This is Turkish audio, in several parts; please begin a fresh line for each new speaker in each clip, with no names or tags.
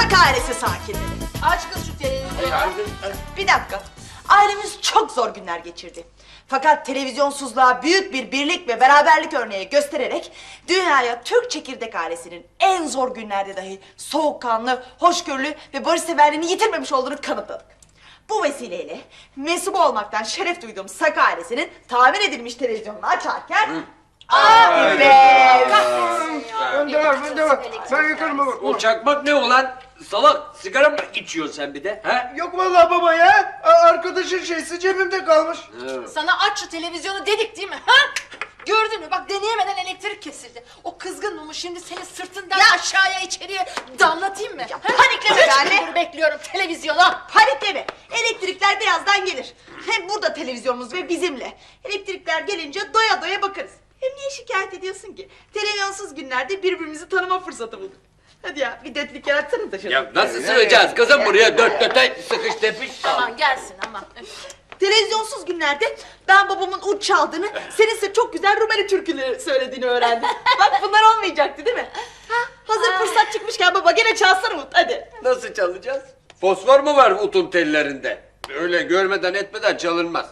Sak ailesi sakinleri.
Aç kız şu televizyonu.
Bir dakika. Ailemiz çok zor günler geçirdi. Fakat televizyonsuzluğa büyük bir birlik ve beraberlik örneği göstererek dünyaya Türk Çekirdek ailesinin en zor günlerde dahi soğukkanlı, hoşgörülü ve barışseverliğini yitirmemiş olduğunu kanıtladık. Bu vesileyle mensup olmaktan şeref duyduğum Sak ailesinin tamir edilmiş televizyonunu açarken...
Ben yakarım baba.
O çakmak ne ulan? Salak, sigara mı içiyorsun sen bir de? He?
Yok vallahi baba ya. Arkadaşın şeysi cebimde kalmış.
Sana aç şu televizyonu dedik değil mi? Ha? Gördün mü? Bak deneyemeden elektrik kesildi. O kızgın mumu şimdi seni sırtından aşağıya içeriye damlatayım mı?
Ya panikleme be anne.
Dur bekliyorum televizyona.
Panikleme. Elektrikler birazdan gelir. Hem burada televizyonumuz ve bizimle. Elektrikler gelince doya doya bakarız. Hem niye şikayet ediyorsun ki? Televizyonsuz günlerde birbirimizi tanıma fırsatı bulduk. Hadi ya bir dörtlük yaratsana da şunu.
Ya nasıl sığacağız kızım buraya dört dörte sıkış tepiş?
Aman gelsin aman.
Televizyonsuz günlerde ben babamın uç çaldığını, senin ise çok güzel Rumeli türküleri söylediğini öğrendim. Bak bunlar olmayacaktı değil mi? Ha, hazır fırsat çıkmışken baba gene çalsana Umut hadi.
Nasıl çalacağız? Fosfor mu var utun tellerinde? Öyle görmeden etmeden çalınmaz.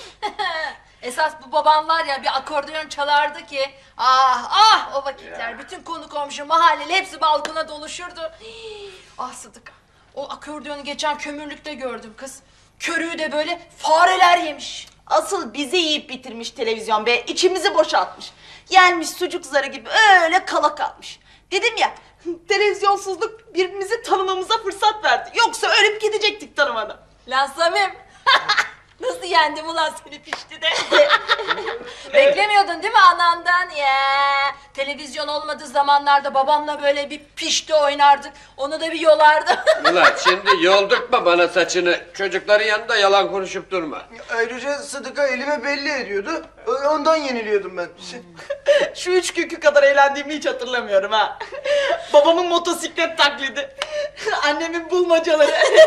Esas bu babam var ya bir akordeon çalardı ki. Ah o vakitler bütün konu komşu mahalleli hepsi balkona doluşurdu. Hii, ah Sıdıka o akordeonu geçen kömürlükte gördüm kız. Körüğü de böyle fareler yemiş.
Asıl bizi yiyip bitirmiş televizyon be, içimizi boşaltmış. Yenmiş sucuk zarı gibi öyle kala kalmış. Dedim ya, televizyonsuzluk birbirimizi tanımamıza fırsat verdi. Yoksa ölüp gidecektik tanımadan.
Lan Samim. Nasıl yendim ulan seni pişti de. Beklemiyordun değil mi anandan ya? Televizyon olmadığı zamanlarda babamla böyle bir pişti oynardık. Onu da bir yolardı.
Ulan şimdi yoldurtma bana saçını. Çocukların yanında yalan konuşup durma.
Ayrıca Sıdıka elime belli ediyordu. Ondan yeniliyordum ben.
Şu 3 günkü kadar eğlendiğimi hiç hatırlamıyorum ha. Babamın motosiklet taklidi. Annemin bulmacaları.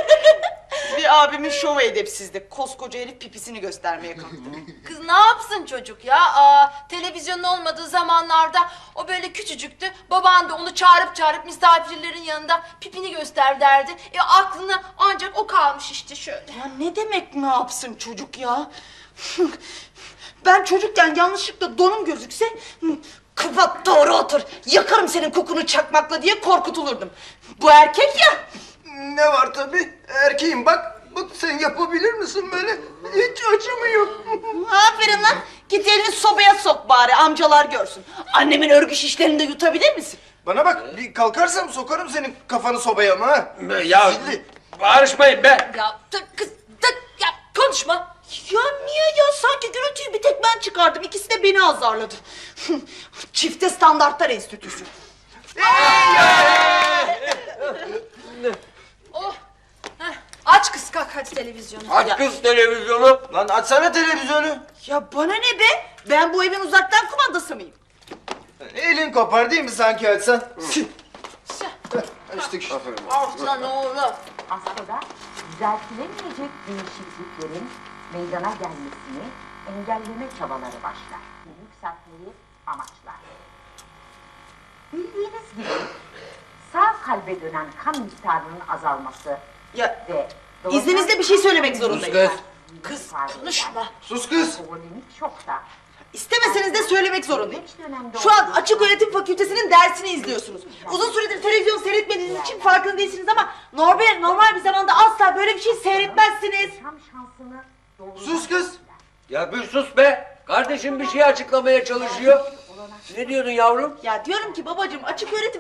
Bir abimin şovu edepsizdi. Koskoca herif pipisini göstermeye kalktı.
Kız ne yapsın çocuk ya? Televizyonun olmadığı zamanlarda o böyle küçücüktü. Baban da onu çağırıp misafirlerin yanında pipini göster derdi. Aklına ancak o kalmış işte şöyle.
Ya ne demek ne yapsın çocuk ya? Ben çocukken yanlışlıkla donum gözükse... Kapat doğru otur, yakarım senin kokunu çakmakla diye korkutulurdum. Bu erkek ya.
Ne var tabii? Erkeğim bak. Bak sen yapabilir misin böyle? Hiç acımıyor.
Aferin lan. Git elini sobaya sok bari amcalar görsün. Annemin örgü şişlerini de yutabilir misin?
Bana bak bir kalkarsam sokarım senin kafanı sobaya ama ha.
Ya
Zilli.
bağırışmayın be.
Ya kız ya konuşma.
Ya niye ya? Sanki gürültüyü bir tek ben çıkardım. İkisi de beni azarladı. Çifte standartlar enstitüsü.
Oh. Heh, aç kız kalk hadi televizyonu.
Aç kız televizyonu.
Lan açsana televizyonu.
Ya bana ne be? Ben bu evin uzaktan kumandası mıyım?
Elin kopar değil mi sanki açsan? Açtık işte.
Aslan oğlum.
Aslında düzeltilemeyecek değişikliklerin meydana gelmesini engelleme çabaları başlar. Yükseltmeyi amaçlar. Bildiğiniz gibi sağ kalbe dönen kan miktarının azalması
Ya
ve
izninizle bir şey söylemek zorundayım.
Kız konuşma.
Sus kız.
Kronik şokta
İstemeseniz de söylemek zorundayım. Şu an Açık Öğretim Fakültesi'nin dersini izliyorsunuz. Uzun süredir televizyon seyretmediğiniz için farkında değilsiniz ama normal bir zamanda asla böyle bir şey seyretmezsiniz.
yaşam şansını
Sus kız.
Ya bir sus be. Kardeşim bir şey açıklamaya çalışıyor. Ne diyordun yavrum?
Ya diyorum ki babacığım Açık Öğretim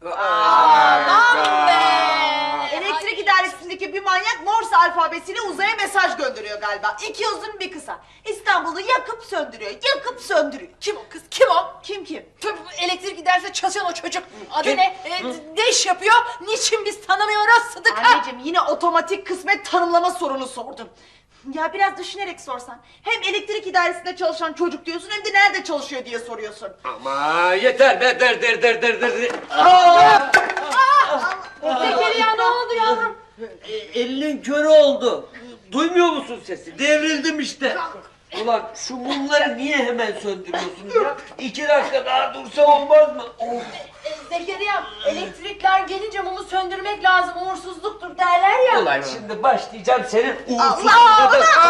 Aman be.
Elektrik idaresindeki bir manyak Morse alfabesiyle uzaya mesaj gönderiyor galiba. 2 uzun bir kısa. İstanbul'u yakıp söndürüyor, yakıp söndürüyor.
Kim o kız kim o?
Kim?
Elektrik giderse çalışan o çocuk. Adı
Kim?
ne? Ne iş yapıyor? Niçin biz tanımıyoruz Sıdıka?
Anneciğim yine otomatik kısmet tanımlama sorunu sordun. Ya biraz düşünerek sorsan. Hem elektrik idaresinde çalışan çocuk diyorsun hem de nerede çalışıyor diye soruyorsun.
Ama yeter be der.
Zekeriya ne oldu yavrum?
Elinin körü oldu. Duymuyor musun sesi? Devrildim işte. Ulan şu mumları niye hemen söndürüyorsunuz ya? 2 dakika daha dursa olmaz mı? Of.
Zekeriya elektrikler gelince mumu söndürmek lazım.
Ulan şimdi başlayacağım senin uğursuzluğuna da.